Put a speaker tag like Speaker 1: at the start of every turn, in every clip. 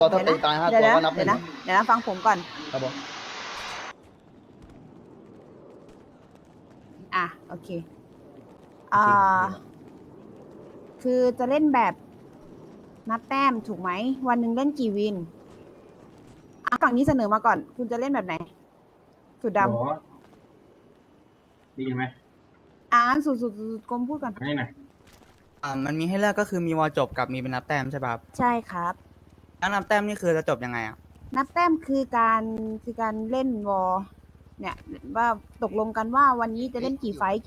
Speaker 1: พอถ้าตีตาย5 ตัวก็นับหนึ่ง
Speaker 2: เดี๋ยวนะฟังผมก่อน
Speaker 1: ครับผม
Speaker 2: โอเคคือจะเล่นแบบนับแต้มถูกไหมวันหนึ่งเล่นกี่วินฝั่งนี้เสนอมาก่อน คุณจะเล่นแบบไหนสุดดำ
Speaker 3: ดีไหม
Speaker 2: สุดกรมพูดก่อน
Speaker 3: ให้หน่อย
Speaker 4: มันมีให้เลือกก็คือมีวอลจบกับมีเป็นนับแต้มใช่ป่ะครับ
Speaker 2: ใช่ครับ
Speaker 4: แล้วนับแต้มนี่คือจะจบยังไงอ่ะ
Speaker 2: นับแต้มคือการเล่นวอลเนี่ยว่าตกลงกันว่าวันนี้จะเล่นกี่ไฟต์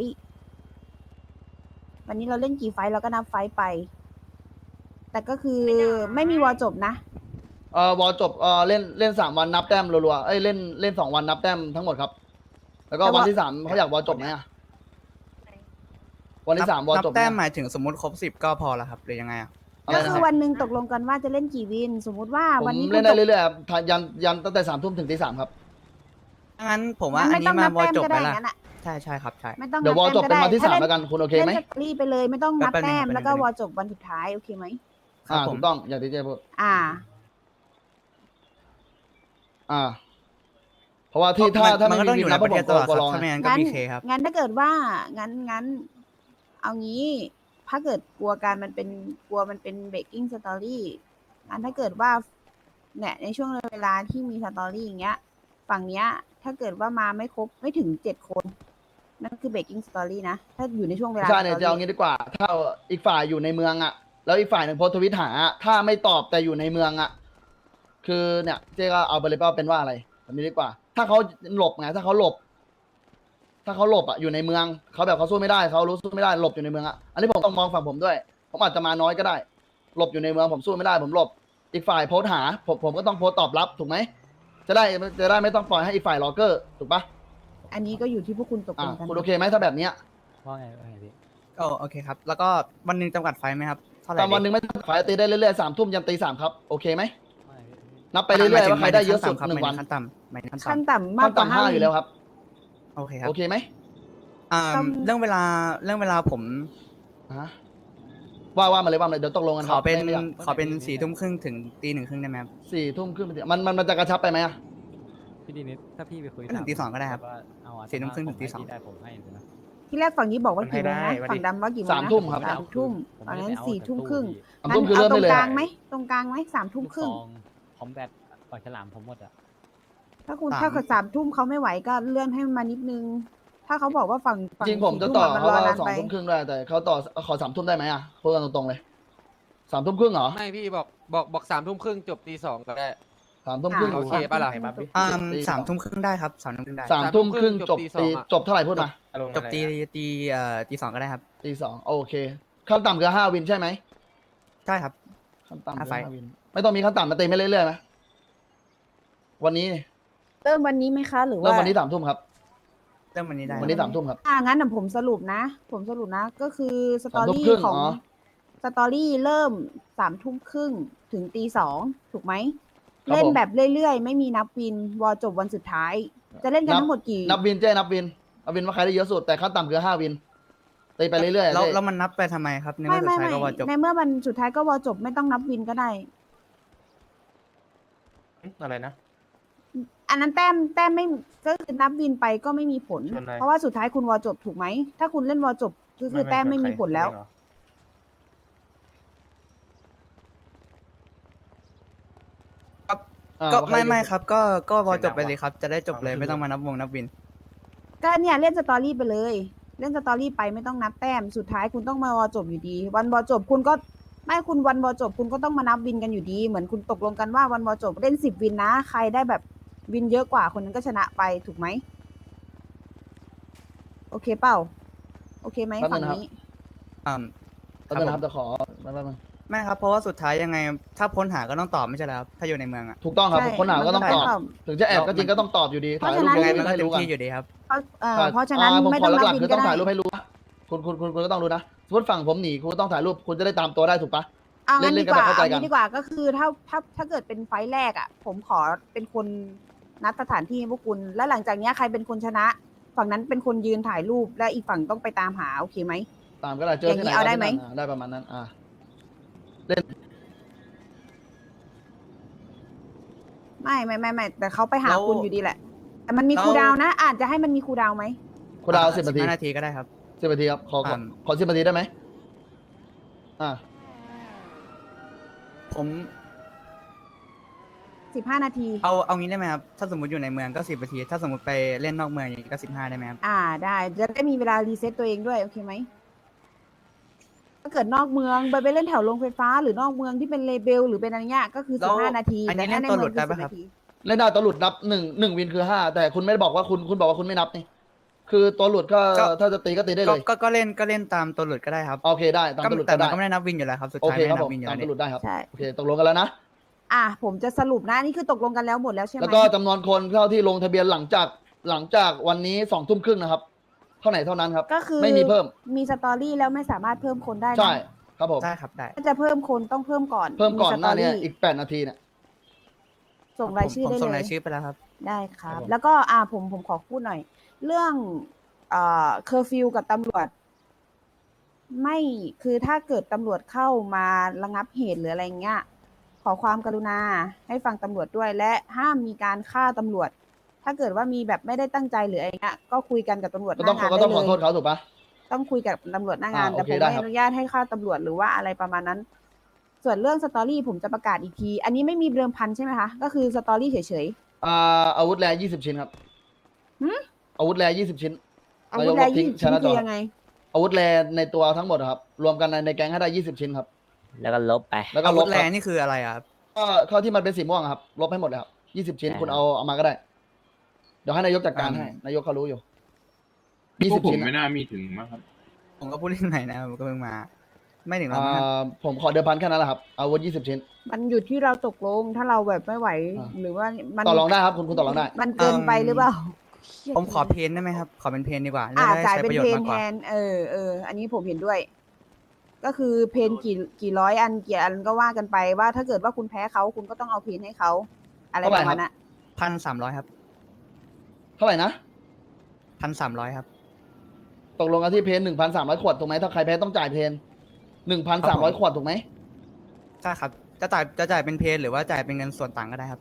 Speaker 2: วันนี้เราเล่นกี่ไฟต์เราก็นับไฟต์ไป แต่ก็คือไม่มีวอลจบนะ
Speaker 1: วอลจบเล่น3 วันนับแต้มรัวๆเล่น2 วันนับแต้มทั้งหมดครับ แล้วก็วันที่3เขาอยากวอลจบไหมอ่ะวันที่3วอล
Speaker 4: นั
Speaker 1: จบไหม
Speaker 4: แต้มหมายถึงสมมติครบ10ก็พอแล้วครับหรือยังไงอ่ะ
Speaker 2: ก็คือวันหนึ่งตกลงกันว่าจะเล่นกี่วิน สมมุติว่า
Speaker 1: ผม
Speaker 2: วันนี้
Speaker 1: เล่นได้เรื่อยๆครับยันตั้งแต่3 ทุ่มถึงตี 3ครับ
Speaker 4: งั้นผมว่าอัน
Speaker 2: ไม่
Speaker 4: นี้
Speaker 2: ต้อง
Speaker 4: มา
Speaker 2: นับ
Speaker 4: วอล
Speaker 2: แต้ม
Speaker 4: จบ
Speaker 2: ก็
Speaker 4: ไป
Speaker 2: ได้
Speaker 4: ละ
Speaker 2: งั้นอ่ะ
Speaker 4: ใช่ครับใช่
Speaker 2: ไม่ต้อง
Speaker 1: เดี๋ยววอลจบเป็นวันที่3แล้วกันคุณโอเคไหม
Speaker 2: เล่นสตอรี่ไปเลยไม่ต้องนับ
Speaker 4: แป๊บนึง
Speaker 2: แต้ม
Speaker 4: แป๊บนึง
Speaker 2: แล้วก็วอลจบวันสุดท้ายโอเคไหม
Speaker 4: ครับผม
Speaker 1: ถูกต้องอย่างที่เจ๊พูด เพราะว่าที่ถ้า
Speaker 4: มันก็ต้องอยู่ในประเทศตลอด
Speaker 1: ก็
Speaker 4: ครับ
Speaker 1: ลอง
Speaker 4: ถ้าไม่งั้นก็
Speaker 2: งั้น
Speaker 4: มีเคครับ
Speaker 2: งั้นถ้าเกิดว่างั้นเอางี้ ถ้าเกิดกลัวมันเป็นเบรกกิ้งสตอรี่งั้นถ้าเกิดว่าเนี่ยในช่วงเวลาที่มีสตอรี่อย่างเงี้ย ฝั่งเนี้ย ถ้าเกิดว่ามาไม่ครบไม่ถึง7 คนนั่นคือเบรกกิ้งสตอรี่นะถ้าอยู่ในช่วงเวลา
Speaker 1: ใช่เนี่ย
Speaker 2: สต
Speaker 1: จะเอางี้ดีกว่า ถ้าอีกฝ่ายอยู่ในเมืองอ่ะ แล้วอีกฝ่ายหนึ่งโพสต์ทวิตหาอะถ้าไม่ตอบแต่อยู่ในเมืองอ่ะ คือเนี่ยเจ๊ก็เอาไปเลยว่าเป็นว่าอะไรแบบนี้ดีกว่า ถ้าเขาหลบไงถ้าเขาหลบอ่ะอยู่ในเมืองเขาแบบเขาสู้ไม่ได้เขารู้สู้ไม่ได้หลบอยู่ในเมืองอ่ะอันนี้ผมต้องมองฝั่งผมด้วย ผมอาจจะมาน้อยก็ได้ หลบอยู่ในเมืองผมสู้ไม่ได้ผมหลบ อีกฝ่ายโพสต์หาผมก็ต้องโพสต์ตอบรับถูกไหมจะได้ไม่ต้องปล่อยให้อีกฝ่ายรอเกอร์ถูกปะ
Speaker 2: อันนี้ก็อยู่ที่พวกคุณตกลงกัน
Speaker 1: คุณโอเคไหมถ้าแบบเนี้ย
Speaker 5: ว่าไงพี่
Speaker 4: โอเคครับ แล้วก็วันหนึ่งจำกัดไฟไหมครับเท่าไหร่
Speaker 1: ตามวันหนึ่งไม่ต้องขายตีได้เรื่อยๆ3 ทุ่มยันตี 3ครับโอเคไหม
Speaker 5: ว่าไงพี่
Speaker 1: นับไปเรื่อยๆว่าใครได้เยอะสุด
Speaker 4: ครับ
Speaker 1: 1 วัน
Speaker 4: ขั้นต่ำหมายถึงขั้น
Speaker 2: ขั้น
Speaker 4: ต่ำ
Speaker 2: ต่ำมากกว่า
Speaker 1: 5อยู่แล้วครับ
Speaker 4: โอเคครับ
Speaker 1: โอเคไหม
Speaker 4: เรื่องเวลาผม
Speaker 1: ฮะว่ามาเลยเดี๋ยวตกลงกัน
Speaker 4: ขอเป็น
Speaker 1: ไม่ยาก
Speaker 4: 4 ทุ่มครึ่งถึงตี 1 ครึ่งได้ไหมครับ
Speaker 1: 4 ทุ่มครึ่งมันจะกระชับไปไหมอะ
Speaker 5: พี่ดีนิดถ้าพี่ไปคุย
Speaker 4: ถึงตี 2ก็ได้ครับ
Speaker 5: ว่าเอาอะ
Speaker 4: 4 ทุ่มครึ่งถึงตี 2
Speaker 5: ผมให้พี่ได้ผมให้เลยนะ
Speaker 2: ที่แรกฝั่งนี้บอกว่ากี่โมง
Speaker 3: ให้
Speaker 2: นะ
Speaker 3: ได้
Speaker 2: ฝั่งดำว่ากี่โมงนะ
Speaker 1: 3 ทุ่มครับ
Speaker 2: 3 ทุ่มตอนนั้น4 ทุ่มครึ่ง
Speaker 1: 3 ทุ่มคือเริ่ม
Speaker 2: ตร
Speaker 1: ได้
Speaker 2: ง
Speaker 1: เลย
Speaker 2: ก
Speaker 1: อะ
Speaker 2: ลางไหมตรงกลางไหม3 ทุ่มครึ่ง
Speaker 5: ลูกซองพร้อมแบตปล่อยฉลามผมหมดอ่ะ
Speaker 2: ถ้าคุณ
Speaker 4: 3
Speaker 2: ถ้าเกิด3 ทุ่มเขาไม่ไหวก็เลื่อนให้มันมานิดนึง ถ้าเขาบอกว่าฝั่ง
Speaker 1: จริงผมจะ
Speaker 2: 4
Speaker 1: ต่อ
Speaker 2: มัน
Speaker 1: เขา
Speaker 2: รอ
Speaker 1: ว่า
Speaker 2: นาน
Speaker 1: 2
Speaker 2: ไป
Speaker 1: ทุ่มครึ่งได้แต่เขาต่อขอ3 ทุ่มได้ไหมอะพูดกันตรงๆเลย3 ทุ่มครึ่งเหรอ
Speaker 6: ไม่พี่บอก3 ทุ่มครึ่งจบตี 2ก็ได้
Speaker 1: 3 ทุ่มครึ่ง
Speaker 6: โอเคปะล่ะ
Speaker 4: 3 ทุ่มครึ่งได้ครับ3 ทุ่มครึ่งได้
Speaker 1: 3 ทุ่มครึ่งจบ
Speaker 6: จบตี 2
Speaker 1: จบเท่าไหร่พูดมา
Speaker 4: จบตี 2ก็ได้ครับ
Speaker 1: ตี 2โอเคขั้นต่ำคือ5 วินใช่ไหม
Speaker 4: ใช่ครับ
Speaker 1: ขั้นต่ำคือ
Speaker 4: 5 ไฟล์
Speaker 1: 5 วินไม่ต้องมีขั้นต่ำมาตีไม่เรื่อยๆไหมวันนี้
Speaker 2: เริ่มวันนี้ไหมคะหรือว่า
Speaker 1: เริ่มวันนี้3 ทุ่มครับ
Speaker 4: เริ่มวันนี้ได้
Speaker 1: วันนี้3 ทุ่มครับ
Speaker 2: งั้นผมสรุปนะ ก็คือสตอ
Speaker 1: 3 ทุ่ม
Speaker 2: รี่
Speaker 1: ครึ่ง
Speaker 2: ของ
Speaker 1: อ๋อ
Speaker 2: สตอรี่เริ่ม3 ทุ่มครึ่งถึงตี 2ถูกไหม
Speaker 1: ครับ
Speaker 2: เล่น
Speaker 1: ผม
Speaker 2: แบบเรื่อยๆ ไม่มีนับวินวอลจบวันสุดท้าย จะเล่นกันทั้งหมดกี่
Speaker 1: นับวินนับวินว่าใครได้เยอะสุดแต่ขั้นต่ำคือ5 วินตีไปเรื่อยๆ
Speaker 4: แล้วมันนับไปทำไมครับในเมื่อสุดท้ายก็วอลจบ
Speaker 2: ในเมื่อมันสุดท้ายก็วอลจบไม่ต้องนับวินก็ได้
Speaker 3: อะไรนะ
Speaker 2: อันนั้นแต้มไม่ก็คือนับวินไปก็ไม่มีผล
Speaker 3: ชนอะไร
Speaker 2: เพราะว่าสุดท้ายคุณวอลจบถูกไหม ถ้าคุณเล่นวอลจบก็คือแต้มไม่มีผลแล้ว
Speaker 4: ก็ไม่ครับก็วอลจบไปเลยครับ จะได้จบเลยไม่ต้องมานับวงนับวิน
Speaker 2: ก็เนี่ยเล่นสตอรี่ไปเลย เล่นสตอรี่ไปไม่ต้องนับแต้มสุดท้ายคุณต้องมาวอลจบอยู่ดี วันวอลจบคุณก็ไม่คุณวันวอลจบคุณก็ต้องมานับวินกันอยู่ดี เหมือนคุณตกลงกันว่าวันวอลจบเล่น10 วินนะใครได้แบบวินเยอะกว่าคนนั้นก็ชนะไปถูกไหมโอเคเปล่าโอเคไหม
Speaker 1: แป๊บนึ
Speaker 2: ฝั่
Speaker 1: ง
Speaker 2: ง
Speaker 1: นะครับ
Speaker 2: นี้
Speaker 1: แป๊บนึงนะครับจะขอแป๊บนึง
Speaker 4: ไม่ครับเพราะว่าสุดท้ายยังไงถ้าพ้นหาก็ต้องตอบไม่ใช่แล้วครับถ้าอยู่ในเมืองอ่ะ
Speaker 1: ถูกต้องครับ
Speaker 2: ใช่
Speaker 1: คนหาก็ต้องตอบ
Speaker 2: มัน
Speaker 1: ถึงจะแอบก็จริงก็ต้องตอบอยู่ดี
Speaker 2: เพ
Speaker 1: ถ่าย
Speaker 2: ราะ
Speaker 1: รู
Speaker 2: ฉะ
Speaker 1: ป
Speaker 2: นั้น
Speaker 4: ยังไงมันก็
Speaker 1: ให้
Speaker 4: เต็ม
Speaker 1: รู้กัน
Speaker 4: ที่อยู่ดีครับ
Speaker 2: เพราะฉะนั้น
Speaker 1: ผม
Speaker 2: ไม่
Speaker 1: ข
Speaker 2: ต้
Speaker 1: อ
Speaker 2: องนับ
Speaker 1: หลัก
Speaker 2: วิ
Speaker 1: ๆ
Speaker 2: น
Speaker 1: คือ
Speaker 2: ก็
Speaker 1: ต้อง
Speaker 2: ได้
Speaker 1: ถ่ายรูปให้รู้นะคุณก็ต้องรู้นะสมมติฝั่งผมหนีคุณก็ต้องถ่ายรูปคุณจะได้ตามตัวได้ถูกปะ
Speaker 2: เอางั้น
Speaker 1: เล่
Speaker 2: ดี
Speaker 1: นๆ
Speaker 2: กว่า
Speaker 1: กันแบบเข้าใจ
Speaker 2: เอา
Speaker 1: กัน
Speaker 2: งี้ดีกว่าก็คือถ้าเกิดเป็นไฟล์แรกอ่ะ ผมขอเป็นคนนัดสถานที่ให้พวกคุณ แล้วหลังจากเนี้ยใครเป็นคนชนะ ฝั่งนั้นเป็นคนยืนถ่ายรูปและอีกฝั่งต้องไปตามหาโอเคไหม
Speaker 1: ตามก็ได้เจอที่ไหน
Speaker 2: อย่างนี้เอาได้ไหม
Speaker 1: ได้ประมาณนั้นเล่น
Speaker 2: ไม่แต่เขาไปหา
Speaker 4: แล้ว
Speaker 2: คุณอยู่ดีแหละ แต่มันมี
Speaker 4: แล้ว
Speaker 2: คูลดาวน์นะ อาจจะให้มันมีคูลดาวน์ไหม
Speaker 1: คุณดาว10 นาที
Speaker 4: 15 นาทีก็ได้ครับ
Speaker 1: 10 นาทีครับ
Speaker 4: อ่า
Speaker 1: ขอ10 นาทีได้ไหมอ่า
Speaker 4: ผม
Speaker 2: 15 นาที
Speaker 4: เอางี้ได้ไหมครับ ถ้าสมมติอยู่ในเมืองก็10 นาที ถ้าสมมติไปเล่นนอกเมืองอย่างนี้ก็15ได้ไหมครับ
Speaker 2: ได้จะได้มีเวลารีเซ็ตตัวเองด้วย โอเคไหม ถ้าเกิดนอกเมืองไปเล่นแถวโรงไฟฟ้า หรือนอกเมืองที่เป็นเลเบลหรือเป็นอะไรเงี้ยก็คือ
Speaker 4: แล้ว
Speaker 2: 15 นาที
Speaker 4: อันนี้
Speaker 2: แต่ถ้าใน
Speaker 4: เล่นตัวหลุ
Speaker 2: เมือ
Speaker 4: ด
Speaker 2: ง
Speaker 4: ได้
Speaker 2: คือ
Speaker 4: ปะ
Speaker 2: 10
Speaker 4: ครับ
Speaker 2: นาที
Speaker 1: เล่นได้ตัวหลุดนับ1 วินคือ5แต่คุณไม่ได้บอกว่าคุณบอกว่าคุณไม่นับนี่คือตัวหลุดก็
Speaker 4: ก็
Speaker 1: ถ้าจะตีก็ตีได้เลย
Speaker 4: ก็เล่นตามตัวหลุดก็ได้ครับ
Speaker 1: โอเคได้ตามตัวหลุด
Speaker 4: แต่
Speaker 1: ก็
Speaker 4: มั
Speaker 1: ได้
Speaker 4: นก็ไม่ได้นับวินอยู่แล้วครับ สุด
Speaker 1: โอ
Speaker 4: ท้าย
Speaker 1: เค
Speaker 4: ไม่
Speaker 1: ครับ
Speaker 4: ได้นั
Speaker 1: ผ
Speaker 4: บ
Speaker 1: ม
Speaker 4: วินอยู่
Speaker 1: ตาม
Speaker 4: แล้ว
Speaker 1: ตัวหลุดได้ครับ
Speaker 2: ใช่
Speaker 1: โอเคตกลงกันแล้วนะ
Speaker 2: ผมจะสรุปนะนี่คือตกลงกันแล้วหมดแล้วใช่ไหม
Speaker 1: แล้วก็จำนวนคนเท่าที่ลงทะเบียนหลังจากวันนี้2 ทุ่มครึ่งนะครับ เท่าไหร่เท่านั้นครับ
Speaker 2: ก็คือ
Speaker 1: ไม่มีเพิ่ม
Speaker 2: มีสตอรี่แล้วไม่สามารถเพิ่มคนได้นะ
Speaker 1: ใช่ครับผม
Speaker 4: ได้ครับได้
Speaker 2: ถ้าจะเพิ่มคนต้องเพิ่มก่อน
Speaker 1: เพิ่มก่อน
Speaker 2: ส
Speaker 1: ห
Speaker 2: ต
Speaker 1: น้าเนี้
Speaker 2: รี่
Speaker 1: อีก8 นาทีเนี่ย
Speaker 2: ส่งรายชื่อ
Speaker 4: ผม
Speaker 2: ได้
Speaker 4: ส่ง
Speaker 2: เล
Speaker 4: ราย ยชื่อไปแล้วครับ
Speaker 2: ได้ครั
Speaker 1: ครับ บผม
Speaker 2: แล้วก็ผมขอพูดหน่อย เรื่องเคอร์ฟิวกับตำรวจ ไม่คือถ้าเกิดตำรวจเข้ามาระงับเหตุหรืออะไรเงี้ย ขอความกรุณาให้ฟังตำรวจด้วย และห้ามมีการฆ่าตำรวจ ถ้าเกิดว่ามีแบบไม่ได้ตั้งใจหรืออะไรเงี้ยก็คุยกันกับตำรวจห
Speaker 1: ก็
Speaker 2: น้า
Speaker 1: ต้อง
Speaker 2: งาน
Speaker 1: ก็
Speaker 2: ได้
Speaker 1: ต้อง
Speaker 2: เล
Speaker 1: ขอย โทษเขาถูกปะ
Speaker 2: ต้องคุยกับตำรวจหน้างาน
Speaker 1: โอ
Speaker 2: แต่
Speaker 1: เค
Speaker 2: ผม
Speaker 1: ได้
Speaker 2: ไม่
Speaker 1: ครับ
Speaker 2: อนุญาตให้ฆ่าตำรวจหรือว่าอะไรประมาณนั้น ส่วนเรื่องสตอรี่ผมจะประกาศอีกที อันนี้ไม่มีเดิมพันใช่ไหมคะ ก็คือสตอรี่เฉย
Speaker 1: อาวุธแร20 ชิ้นครับ
Speaker 2: หืม
Speaker 1: อาวุธแร20 ชิ้น
Speaker 2: ๆอาวุธแร
Speaker 1: นายกลบทิ้
Speaker 2: ยี่
Speaker 1: ง
Speaker 2: สิบชิ้น
Speaker 1: ชนะจ
Speaker 2: คือ อยังไง
Speaker 1: อาวุธแรในตัวทั้งหมดอะครับ รวมกันในแก๊งให้ได้20 ชิ้นครับ
Speaker 7: แล้วก็ลบไป
Speaker 1: แล้วก็
Speaker 4: อา
Speaker 1: ล
Speaker 4: วุ
Speaker 1: บ
Speaker 4: ธ
Speaker 1: ค
Speaker 4: แร
Speaker 1: รับ
Speaker 4: งนี่คืออะไรอะครับ
Speaker 1: ก็ข้อที่มันเป็นสีม่วงอะครับ ลบให้หมดเลยครับ20 ชิ้น
Speaker 7: ได้
Speaker 1: คุณเอามาก็ได้ เดี๋ยวให้นายกจัดการให้ นายกเขารู้อยู่
Speaker 3: พวก
Speaker 1: 20
Speaker 3: ผม
Speaker 1: ชิ้น
Speaker 3: ไม่
Speaker 1: อะ
Speaker 3: น่ามีถึงมั้งครับ
Speaker 4: ผมก็พูดเล่นใหม่นะผมก็เพิ่งมา ไม่ถึงหรอกมั้งครับ
Speaker 1: ผมขอเดิมพันแค่นั้นแหละครับ อาวุธ20 ชิ้น
Speaker 2: มันอยู่ที่เราตกลง ถ้าเราแบบไม่ไหว
Speaker 1: อ่า
Speaker 2: หรือว่ามัน
Speaker 1: ต่อรองได้ครับ คุณต่อรองได้
Speaker 2: มันเกินไปหรือเปล่า
Speaker 4: ผมขอเพนได้ไหมครับ ขอเป็นเพนดีกว่าจะได้
Speaker 2: จ่าย
Speaker 4: ใช้
Speaker 2: เป็
Speaker 4: ป
Speaker 2: น
Speaker 4: ระโยช
Speaker 2: เพ
Speaker 4: น์
Speaker 2: น
Speaker 4: มากก
Speaker 2: แท
Speaker 4: ว่า
Speaker 2: น อันนี้ผมเห็นด้วย ก็คือเพนกี่ร้อยอันกี่อันก็ว่ากันไปว่าถ้าเกิดว่าคุณแพ้เขาคุณก็ต้องเอาเพนให้เขาอะไร
Speaker 1: เท่าไห
Speaker 2: ป
Speaker 1: ร่
Speaker 2: ระ
Speaker 1: ครั
Speaker 2: มา
Speaker 1: บ
Speaker 2: ณนั้น
Speaker 4: 1,300 ครับ
Speaker 1: เท่าไหร่นะ
Speaker 4: 1,300 ครับ
Speaker 1: ตกลงกันที่เพน1,300 ขวดถูกไหมถ้าใครแพ้ต้องจ่ายเพน1,300 ขวดถูกไหม
Speaker 4: ใช่ครับ จะจ่ายเป็นเพนหรือว่าจ่ายเป็นเงินส่วนต่างก็ได้ครับ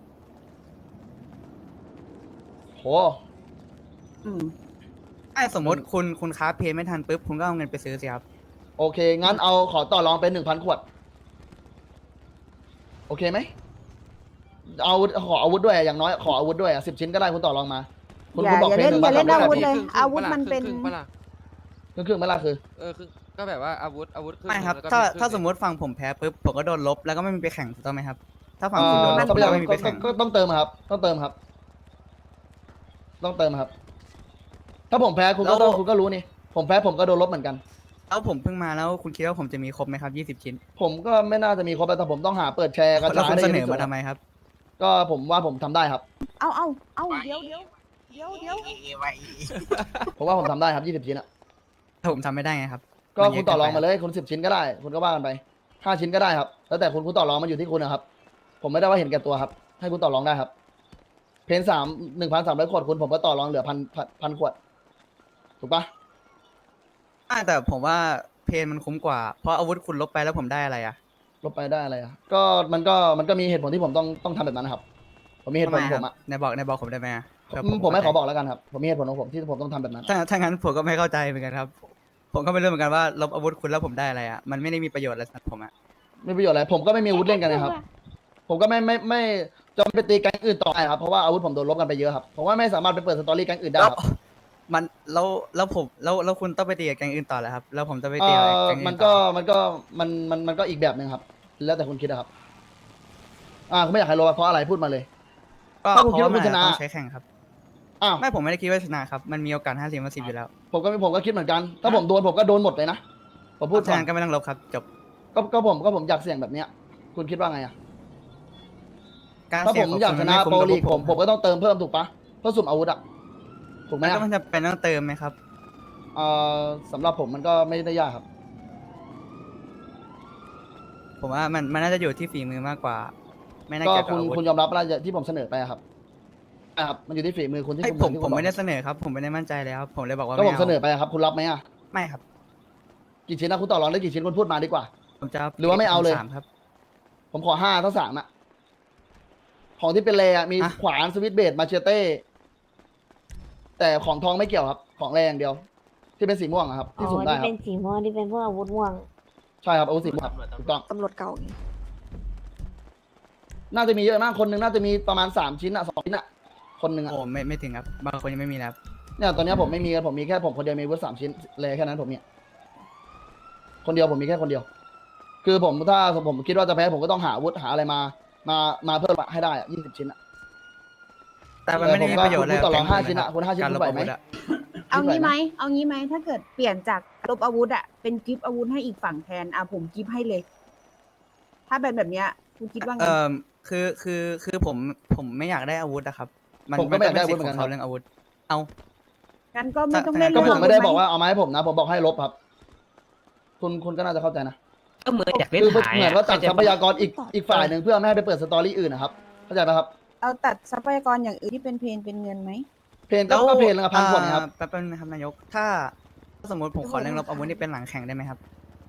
Speaker 1: โห
Speaker 2: อืม
Speaker 4: ถ้าสมมติคุณค้าเพนไม่ทันปุ๊บคุณก็เอาเงินไปซื้อสิครับ
Speaker 1: โอเค งั้นเอาขอต่อรองเป็น 1,000 ขวด โอเคไหมเอาขออาวุธด้วยอย่างน้อยขออาวุธด้วย10 ชิ้นก็ได้คุณต่อรองมา คุณ
Speaker 2: อย่า
Speaker 1: คุณบอก
Speaker 2: อย่า
Speaker 1: เพ
Speaker 2: เล่
Speaker 1: น
Speaker 2: นอย่าเล่น
Speaker 1: 1,300
Speaker 2: อาวุธ
Speaker 1: ขวด
Speaker 2: เลย
Speaker 6: ครึ่งๆ
Speaker 2: อาวุธ
Speaker 6: ปะล่ะ
Speaker 2: มันเป็น
Speaker 6: ครึ่งๆปะล่ะ
Speaker 1: ครึ่งๆไม่ล่ะคือ
Speaker 6: คือก็แบบว่าอาวุธครึ่ง
Speaker 4: ไม่ครับ
Speaker 6: แล้วก็
Speaker 4: ถ้า
Speaker 6: ครึ่งๆ
Speaker 4: สมมติฝั่งผมแพ้ปุ๊บผมก็โดนลบแล้วก็ไม่มีไปแข่งถูกต้องไหมครับ ถ้าฝั่ง
Speaker 1: เอ่
Speaker 4: คุณโด
Speaker 1: อน
Speaker 4: ลบ
Speaker 1: ทรัพยา
Speaker 4: ก็
Speaker 1: ก
Speaker 4: ไม่มีไปแข่ง
Speaker 1: ก็ต้องเติมครับ ต้องเติมครับ ต้องเติมครับ ถ้าผมแพ้คุณก็ต้องคุณก็รู้นี่ ผมแพ้ผมก็โดนลบเหมือนกัน
Speaker 4: แล้วผมเพิ่งมาแล้วคุณคิดว่าผมจะมีครบไหมครับ20 ชิ้น
Speaker 1: ผมก็ไม่น่าจะมีครบแต่ผมต้องหาเปิดแชร์กระ
Speaker 4: แล้ว
Speaker 1: จาย
Speaker 4: คุณ
Speaker 1: ได้
Speaker 4: เส
Speaker 1: เยอะ
Speaker 4: น
Speaker 1: ที่
Speaker 4: อ
Speaker 1: สุด
Speaker 4: มาทำไมครับ
Speaker 1: ก็ผมว่าผมทำได้ครับ
Speaker 2: เอาเดี๋ยว
Speaker 1: ผมว่าผมทำได้ครับ20 ชิ้นอะ
Speaker 4: ถ้าผมทำไม่ได้ไงครับ
Speaker 1: ก็
Speaker 4: มันเย
Speaker 1: คุ
Speaker 4: อะ
Speaker 1: ณต่อรอง
Speaker 4: เกินไป
Speaker 1: มาเลยคุณ10 ชิ้นก็ได้ คุณก็ว่ากันไป5 ชิ้นก็ได้ครับ แล้วแต่คุณต่อรองมันอยู่ที่คุณนะครับ ผมไม่ได้ว่าเห็นแก่ตัวครับ ให้คุณต่อรองได้ครับ เพน1,300 ขวดคุณผมก็ต่อรองเหลือพันขวด ถูกปะ
Speaker 4: แต่ผมว่าเพนมันคุ้มกว่า เพราะอาวุธคุณลบไปแล้วผมได้อะไรอะ
Speaker 1: ลบไปได้อะไรอ่ะ ก็มันก็มีเหตุผลที่ผมต้องทำแบบนั้นนะครับ ผมมีเหตุผล
Speaker 4: ทำ
Speaker 1: ของ
Speaker 4: ไค
Speaker 1: ผ
Speaker 4: รับ
Speaker 1: มอ่ะ
Speaker 4: ในบอกผมได้ไหมอะเผื่อ
Speaker 1: ผมไม่ขอ
Speaker 4: เข้าใจ
Speaker 1: บอกแล้วกันครับ ผมมีเหตุผลของผมที่ผมต้องทำแบบนั้น
Speaker 4: ถ้างั้นผมก็ไม่เข้าใจเหมือนกันครับ ผมก็ไม่รู้เหมือนกันว่าลบอาวุธคุณแล้วผมได้อะไรอะมันไม่ได้มีประโยชน์อะไรสำหรับผมอะ
Speaker 1: ไม่ประโยชน์อะไร ผมก็ไม่มีอาวุธเล่นกันนะครับ ผมก็ไม่จะไปตีแก๊งอื่นต่อไปครับ เพราะว่าอาวุธผมโดนลบกันไปเยอะครับ ผมว่าไม่สามารถไปเปิดสตอรี่แก๊งอื่นได้ครับ
Speaker 4: มันแล้วผมแล้วคุณต้องไปตีกับแก๊งอื่นต่อแล้วครับ แล้วผมจะไปตีกับแก๊งอื่น
Speaker 1: มัน
Speaker 4: ต่
Speaker 1: ก็
Speaker 4: อ
Speaker 1: มันก็อีกแบบหนึ่งครับ แล้วแต่คุณคิดนะครับ คุณไม่อยากให้ลบเพราะอะไรพูดมาเลย
Speaker 4: ก็
Speaker 1: ถ้าคุณ
Speaker 4: เพ
Speaker 1: คิด
Speaker 4: ราะ
Speaker 1: ว่า
Speaker 4: ว่า
Speaker 1: คุ
Speaker 4: มั
Speaker 1: ณชนะ
Speaker 4: ต้องใช้แข่งครับ
Speaker 1: อ้าว
Speaker 4: ไม่ผมไม่ได้คิดว่าชนะครับ มันมีโอกาส50-50อยู่แล้ว
Speaker 1: ผมก็คิดเหมือนกัน ถ้าผมโดนผมก็โดนหมดเลยนะ ผมพูด
Speaker 4: ฉะ
Speaker 1: ก่อน
Speaker 4: นั้นก็ไม่ต้องลบครับ จบ
Speaker 1: ก็ผมอยากเสี่ยงแบบเนี้ย คุณคิดว่าไงอ่ะ
Speaker 4: การ
Speaker 1: ถ้า
Speaker 4: เสี่
Speaker 1: ผ
Speaker 4: ยง
Speaker 1: ม
Speaker 4: ของ
Speaker 1: อยาก
Speaker 4: คุ
Speaker 1: ช
Speaker 4: ณ
Speaker 1: นะ
Speaker 4: ไม่คุ้
Speaker 1: โป
Speaker 4: ม
Speaker 1: รลีก
Speaker 4: กับ
Speaker 1: ผมก็ต้องเติมเพิ่มถูกปะเพื่อสุ่มอาวุธอ่ะ ถูกไหม
Speaker 4: มัน
Speaker 1: อะ
Speaker 4: ก็มันจะเป็นต้องเติมไหมครับ
Speaker 1: สำหรับผมมันก็ไม่ได้ยากครับ
Speaker 4: ผมว่ามันน่าจะอยู่ที่ฝีมือมากกว่า ไม่น่า
Speaker 1: ก็
Speaker 4: เกี่ยวกับ
Speaker 1: คุณ
Speaker 4: อาวุธ
Speaker 1: คุณยอมรับแล้วที่ผมเสนอไปอะครับครับ มันอยู่ที่ฝีมือคุณที่
Speaker 4: ให้
Speaker 1: คุณ
Speaker 4: ผม
Speaker 1: ที่คุณ
Speaker 4: ไม่ได้
Speaker 1: บอก
Speaker 4: เสนอครับ ผมไม่ได้มั่นใจเลยครับ ผมเลยบอกว่า
Speaker 1: ก็
Speaker 4: ไม่
Speaker 1: ผมเสนอ
Speaker 4: เอา
Speaker 1: ไปอะครับ คุณรับไหมอะ
Speaker 4: ไม่ครับ
Speaker 1: กี่ชิ้นนะคุณต่อรองได้กี่ชิ้นคุณพูดมาดีกว่า
Speaker 4: ผมจะ
Speaker 1: หรือว่าไม่เอาเลย
Speaker 4: 3ครับ
Speaker 1: ผมขอ5 ทั้ง 3อะของที่เป็นแรอะมี
Speaker 4: อ่ะ
Speaker 1: ขวานสวิตช์เบลดมาเชเต้ แต่ของทองไม่เกี่ยวครับ ของแรอย่างเดียว ที่เป็นสีม่วงอะครับ ที่สุ่มได้
Speaker 7: ที่
Speaker 1: ครั
Speaker 7: เป็
Speaker 1: บ
Speaker 7: นสีม่วงที่เป็นพวกอาวุธม่วง
Speaker 1: ใช่ครับอาวุธสีม่วงครับถูกต้อง
Speaker 8: ตำรวจเก่าไง
Speaker 1: น่าจะมีเยอะมากคนหนึงน่าจะมีประมาณ3 ชิ้นอะ2 ชิ้นอะคนหนึ่งอะ
Speaker 4: โอ้ไม่ถึงครับบางคนยังไม่มีแล้ว
Speaker 1: เนี่ยตอนเนี้ยผมไม่มีกันผมมีแค่ผมคนเดียวมีอาวุธ3 ชิ้นเลยแค่นั้นผมเนี่ยคนเดียวผมมีแค่คนเดียว คือผมถ้าผมคิดว่าจะแพ้ผมก็ต้องหาอาวุธหาอะไรมาเพิ่มให้ได้อะ20 ชิ้นอะ
Speaker 4: แต่มันไม่ได้มีประโยชน์
Speaker 1: ผมก็
Speaker 4: แล้ว
Speaker 1: ต่อรอง
Speaker 4: แก๊ง
Speaker 1: 5 ชิ้นอะคุณ5 ชิ้น
Speaker 4: การ
Speaker 1: คุ
Speaker 4: ล
Speaker 1: ณ
Speaker 4: บ
Speaker 1: ไหว
Speaker 4: อา
Speaker 1: ไหม
Speaker 4: วุธอะ
Speaker 2: เอางี้
Speaker 1: คิด
Speaker 2: ไห
Speaker 1: ไห
Speaker 2: ม
Speaker 1: ว
Speaker 2: เอางี้ไหมถ้าเกิดเปลี่ยนจากลบอาวุธอะเป็นกิฟต์อาวุธให้อีกฝั่งแทนผมกิฟต์ให้เลย ถ้าเป็นแบบเนี้ยคุณคิดว่าไง
Speaker 4: คือผมไม่อยากได้อาวุธอะครับ
Speaker 1: ผมก็ไม่อยากได้
Speaker 4: นเป็น
Speaker 1: อาวุธเหมื
Speaker 4: สิ
Speaker 1: อน
Speaker 4: ทธิ์
Speaker 1: กัน
Speaker 4: ของเขาเรื่องอาวุธ เอา
Speaker 2: งั้นก็ไม่ต้อง
Speaker 4: ถ้า
Speaker 2: เล่น
Speaker 1: ก็
Speaker 2: เรื่
Speaker 1: ผ
Speaker 2: อง
Speaker 1: มไม่ได้
Speaker 2: อาวุธ
Speaker 1: บอกว่าเอามาให้ผมนะ ผมบอกให้ลบครับ คุณก็น่าจะเข้าใจนะ
Speaker 9: ก็เหมือนอยากเล่น
Speaker 1: คือ
Speaker 9: หาย
Speaker 1: เหมือนว่าตัดทรัพยากรอีก
Speaker 8: เข้าใจ
Speaker 1: อีกฝ่ายหนึ่งเพื่อไม่ให้ไปเปิดสตอรี่อื่นนะครับเข้าใจไหมครับ
Speaker 2: เอาตัดทรัพยากรอย่างอื่นที่เป็นเพนเป็นเงินไหม
Speaker 1: เพลงก็เพลงละ1,000 ขวดนะครับ
Speaker 4: แป๊บนึงนะครับนายก ถ้าสมมติผมขอเรื่องลบอาวุธนี่เป็นหลังแข่งได้ไหมครับ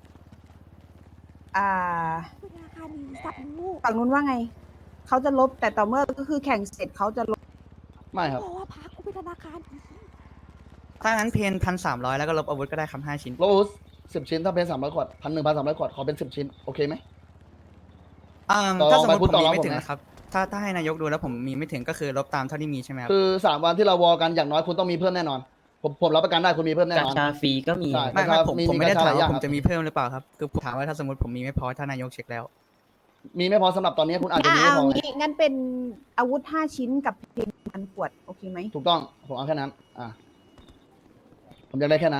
Speaker 2: อ่า
Speaker 8: ธนาคารมีสัตว์ลูก
Speaker 2: ฝั่งนู้นว่าไง เขาจะลบแต่ต่อเมื่อก็คือแข่งเสร็จเขาจะลบ
Speaker 1: ไม่ครับ
Speaker 8: บอกว่าพักกูเป็นธนาคารอีก
Speaker 4: ถ้างั้นเพน1,300แล้วก็ลบอาวุธก็ได้ครับ5 ชิ้น
Speaker 1: ลบอาวุธ10 ชิ้นถ้าเพลง300 ขวด1,300 ขวดขอเป็น10 ชิ้นโอเคไหม ต่อ
Speaker 4: ถ้าสมมติ
Speaker 1: ไปพู
Speaker 4: ผ
Speaker 1: ด
Speaker 4: ม
Speaker 1: ต่อ
Speaker 4: มี
Speaker 1: รอง
Speaker 4: ไม่
Speaker 1: ผม
Speaker 4: ถึง
Speaker 1: นะ
Speaker 4: นะครับ ถ้าให้นายกดูแล้วผมมีไม่ถึงก็คือลบตามเท่าที่มีใช่ไหมครับ
Speaker 1: คือ3 วันที่เราวอกันอย่างน้อยคุณต้องมีเพิ่มแน่นอน ผมรับประกันได้คุณมีเพิ่มแน่
Speaker 9: กาน
Speaker 1: อน
Speaker 9: ชาฟรีก็มี
Speaker 1: ใช่
Speaker 4: ไม่ ผมไม่ได้
Speaker 1: กาช
Speaker 4: ถาม
Speaker 1: หลยอย่
Speaker 4: ว่าง ผม
Speaker 1: ครับ
Speaker 4: จะมีเพิ่มหรือเปล่าครับ คือผมถามว่าถ้าสมมติผมมีไม่พอถ้านายกเช็คแล้ว
Speaker 1: มีไม่พอสำหรับตอนนี้คุณอาจจะมี
Speaker 2: เอา
Speaker 1: ไม่พอไง
Speaker 2: งี้งั้นเป็นอาวุธ5 ชิ้นกับเพน1,000 ขวด โอเคไหม
Speaker 1: ถูกต้องผมเอาแค่นั้น ผมอยากได้แค่นั้น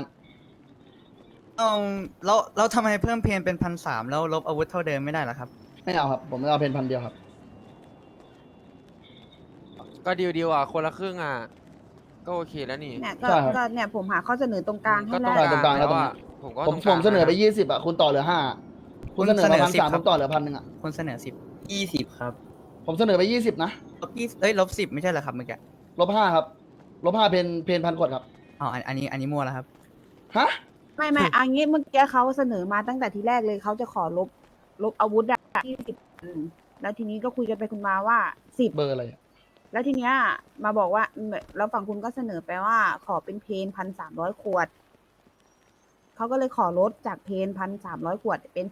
Speaker 4: แล้วทำไมเพิ่มเพนเป็น1,300แล้วลบอาวุธเท่าเดิมไม่ได้เหรอครับ
Speaker 1: ไม่เอาครับ ผมไม่เอาเพลง1,000 เดียวครับ
Speaker 6: ก็ดีลอ่ะคนละครึ่งอ่ะ ก็โอเคแล้วนี่
Speaker 2: เนี่ยก็
Speaker 1: ใช่ครับ
Speaker 2: ก็เนี่ยผมหาข้อเสนอตรงกลางให้
Speaker 6: ก็ตร
Speaker 2: แล้
Speaker 6: ง
Speaker 2: ว
Speaker 1: ตรงกลางแล้ว
Speaker 6: แล้วอ่ะ
Speaker 1: ตรงนี้
Speaker 6: ผมก็
Speaker 1: ผมเสนอไป
Speaker 6: ตรงกลางะ
Speaker 1: 20คุณต่อเหลือ5คุณเสนอมา
Speaker 4: คุณเสนอ10
Speaker 1: 1,300 ผมต่อเหลือ1,000อะ
Speaker 4: คนเสนอ10
Speaker 9: ครับ
Speaker 1: ผมเสนอไป20นะ
Speaker 4: ลบ10ไม่ใช่เหรอครับเมื่อกี้
Speaker 1: ลบ5ครับลบ5เพน1,000 ขวดครับ
Speaker 4: อ๋ออันนี้มั่วแล้วครับ
Speaker 1: ฮะ
Speaker 2: ไม่อันนี้เมื่อกี้เขาเสนอมาตั้งแต่ทีแรกเลยเขาจะขอลบอาวุธอะ20แล้วทีนี้ก็คุยกันไปคุณมาว่า10
Speaker 1: เบอร์อะไรอะ
Speaker 2: แล้วทีเนี้ยมาบอกว่าแล้วฝั่งคุณก็เสนอไปว่าขอเป็นเพน1,300 ขวดเขาก็เลยขอลดจากเพน1,300 ขวดเป็น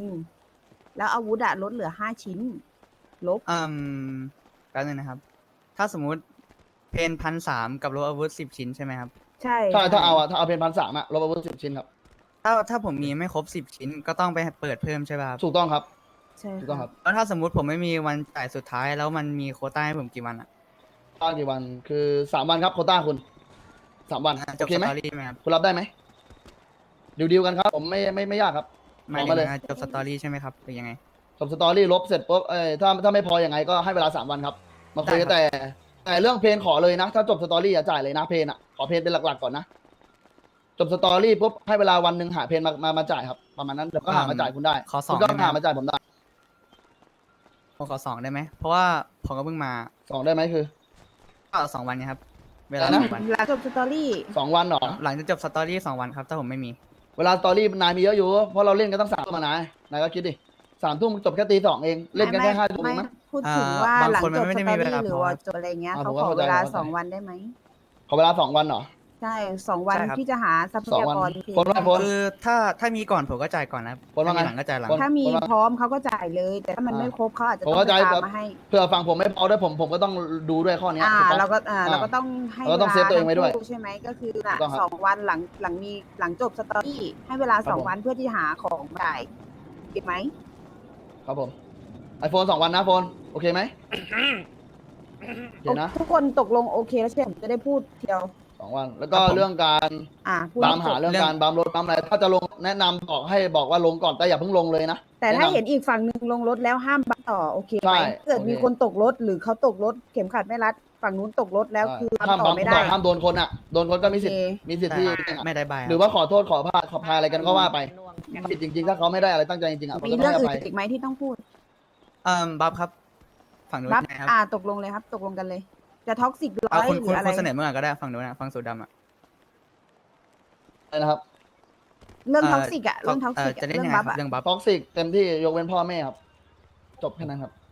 Speaker 2: 1,000แล้วอาวุธอะลดเหลือ5 ชิ้น ลบ
Speaker 4: แป๊บนึงนะครับ ถ้าสมมุติเพน1,300กับลบอาวุธ10 ชิ้นใช่ไหมครับ
Speaker 2: ใช่
Speaker 1: ใช่ถ้าเอาเพน1,300อะลบอาวุธ10 ชิ้นครับ
Speaker 4: ถ้าผมมีไม่ครบ10 ชิ้นก็ต้องไปเปิดเพิ่มใช่ป่ะครับ
Speaker 1: ถูกต้องครับ
Speaker 2: ใช่
Speaker 1: ถูกต้องครับ
Speaker 4: แล้วถ้าสมมุติผมไม่มีวันจ่ายสุดท้ายแล้วมันมีโควต้าให้ผมกี่วันอะ
Speaker 1: ตั้งกี่วันคือ3 วันครับโควต้าคุณ3 วัน
Speaker 4: จ
Speaker 1: โอบ เค
Speaker 4: ส
Speaker 1: ไหม
Speaker 4: ตอรี่ไหมครับ
Speaker 1: คุณรับได้ไหมดิวกันครับ ผมไม่ยากครับ
Speaker 4: หมาย
Speaker 1: บอก
Speaker 4: ถึ
Speaker 1: มาเลย
Speaker 4: งจบสตอรี่ใช่ไหมครับหรือยังไง
Speaker 1: จบสตอรี่ลบเสร็จปุ๊บถ้าไม่พอยังไงก็ให้เวลา3 วันครับมาคุยกัน
Speaker 4: ได้ครับ
Speaker 1: แต่เรื่องเพนขอเลยนะ ถ้าจบสตอรี่อย่าจ่ายเลยนะเพนอะขอเพนเป็นหลักๆก่อนนะจบสตอรี่ปุ๊บให้เวลาวันหนึ่งหาเพนมาจ่ายครับประมาณนั้นเดี๋ยวก็หามาจ่ายคุณได้
Speaker 4: ขอ
Speaker 1: คุณก็
Speaker 4: 2ได้ไหม
Speaker 1: หามาจ่ายผมได้
Speaker 4: ผมขอ2ได้ไหมเพราะว่าผมก็เพิ่งมา
Speaker 1: 2ได้ไหมคือ
Speaker 4: ก็2 วันไงครับ เวลา
Speaker 1: อะไรนะ
Speaker 4: 2 วัน
Speaker 2: หลังจบสตอรี่
Speaker 1: 2 วันเหรอ
Speaker 4: หลังจากจบสตอรี่2 วันครับถ้าผมไม่มี
Speaker 1: เวลาสตอรี่นายมีเยอะอยู่เพราะเราเล่นกันตั้ง3 ทุ่มนายก็คิดดิ3 ทุ่มจบแค่ตี 2เองเล่นกันแค่5 ทุ่มเองมั้ง
Speaker 2: พูดถึงว่า
Speaker 4: บาง
Speaker 2: หลัง
Speaker 4: คน
Speaker 2: จ
Speaker 4: มัน
Speaker 2: บ
Speaker 4: ไม่
Speaker 2: ส
Speaker 4: ได้
Speaker 2: ต
Speaker 4: มี
Speaker 2: อ
Speaker 4: เวลา
Speaker 2: รี่หรือ
Speaker 4: พอ
Speaker 2: ว่าจบอะไรเงี้ย
Speaker 1: อ่า
Speaker 2: เขา
Speaker 1: ผมก็
Speaker 2: ขอ
Speaker 1: เข้าใจ
Speaker 2: เวลา
Speaker 1: เข้าใจ
Speaker 2: 2 วันได้ไหม
Speaker 1: ขอเวลา2 วันเหรอ
Speaker 2: ใช่2 วัน
Speaker 4: ใช่ครับ
Speaker 2: ที่จะหาทรัพ
Speaker 1: 2
Speaker 2: ยา
Speaker 1: วัน
Speaker 2: กร
Speaker 1: คนว่าคน
Speaker 4: คือถ้ามีก่อนผมก็จ่ายก่อนนะครับ
Speaker 1: คนว่าไง
Speaker 4: ถ้ามีหลังก็จ่ายหลัง
Speaker 1: คน
Speaker 2: ถ้ามี
Speaker 1: ว่า
Speaker 2: พร้อมเขาก็จ่ายเลย แต่ถ้ามันไม่ครบเขาอาจจะ
Speaker 1: ผม
Speaker 2: ต้อง
Speaker 1: เข้าใจ
Speaker 2: ไปตามมาให้
Speaker 1: เผื่อฟังผมไม่พอด้วยผมก็ต้องดูด้วยข้อเนี้ยถูกต้อง
Speaker 2: เราก็ต้องให้
Speaker 1: เราก็ต้องเซฟตัวเองไว้ด้วย
Speaker 2: ทั้คู่ใช่ไหมก็คือ
Speaker 1: ถูกต้องครับ
Speaker 2: 2 วันหลังจบสตอรี่ให้เวลา
Speaker 1: ครับผม
Speaker 2: 2 วันเพื่อที่หาของจ่ายเก็บไหม
Speaker 1: ครับผมไอโฟน2 วันนะโฟนโอเคไหมโอเคนะ
Speaker 2: ทุกคนตกลงโอเคแล้วใช่ไหมผมจะได้พูดเดียว
Speaker 1: 2 วันแล้วก็เรื่องการ
Speaker 2: พูด
Speaker 1: ตามหาเรื่องการบัมรถบัมอะไรถ้าจะลงแนะนำบอกว่าลงก่อนแต่อย่าเพิ่งลงเลยนะ
Speaker 2: แต่ถ้า
Speaker 1: แะำ
Speaker 2: เห็นอีกฝั่งหนึ่งลงรถแล้วห้ามบังต่อโอเค
Speaker 1: ใช่
Speaker 2: ไหมเกิด
Speaker 1: โอเค
Speaker 2: มีคนตกรถหรือเขาตกรถเข็มขัดไม่รัด ฝั่งนู้นตกรถแล้วคือ
Speaker 1: ห้าม
Speaker 2: ต่
Speaker 1: บั
Speaker 2: อ
Speaker 1: ม
Speaker 2: ไม่
Speaker 1: ต่
Speaker 2: ได้
Speaker 1: อห้ามโดนคนอ่ะโดนคนก็มีสิทธิ์
Speaker 2: โอเค
Speaker 1: มีสิทธิ์ที่
Speaker 4: ไม่ได้ใบาย
Speaker 1: หรือว่าขอโทษขอพายอะไรกันก็ว่าไปผิดจริงๆ ถ้าเขาไม่ได้อะไรตั้งใจจริงๆอ่ะผม
Speaker 2: มี
Speaker 1: ก็ต้
Speaker 2: เรื่
Speaker 1: อ
Speaker 2: อง
Speaker 1: งให้อ
Speaker 2: อื่น
Speaker 1: ภัย
Speaker 2: อีกไหมที่ต้องพูด
Speaker 4: บัฟครับ ฝั่งนู้น
Speaker 2: รับ
Speaker 4: นะครับ
Speaker 2: ตกลงเลยครับ ตกลงกันเลย จะท็อกซิกร้อย
Speaker 4: คุณ
Speaker 2: หรืออะไร
Speaker 4: เสนอเมื่อไหร่ก็ได้ฝั่งนู้นนะฝั่งสูดดำอ่ะ
Speaker 1: อะไรนะครับ
Speaker 2: เรื่องท็อกซิกอะเรื่องท็อกซิก
Speaker 4: จะเล่น
Speaker 2: เรื่อ
Speaker 4: ยัง
Speaker 2: ง
Speaker 4: ไง
Speaker 2: บัฟ
Speaker 4: ครับ
Speaker 2: อะ
Speaker 4: เรื่องบัฟ
Speaker 1: ท็อกซิกเต็มที่ยกเว้นพ่อแม่ครับจบแค่นั้นครับ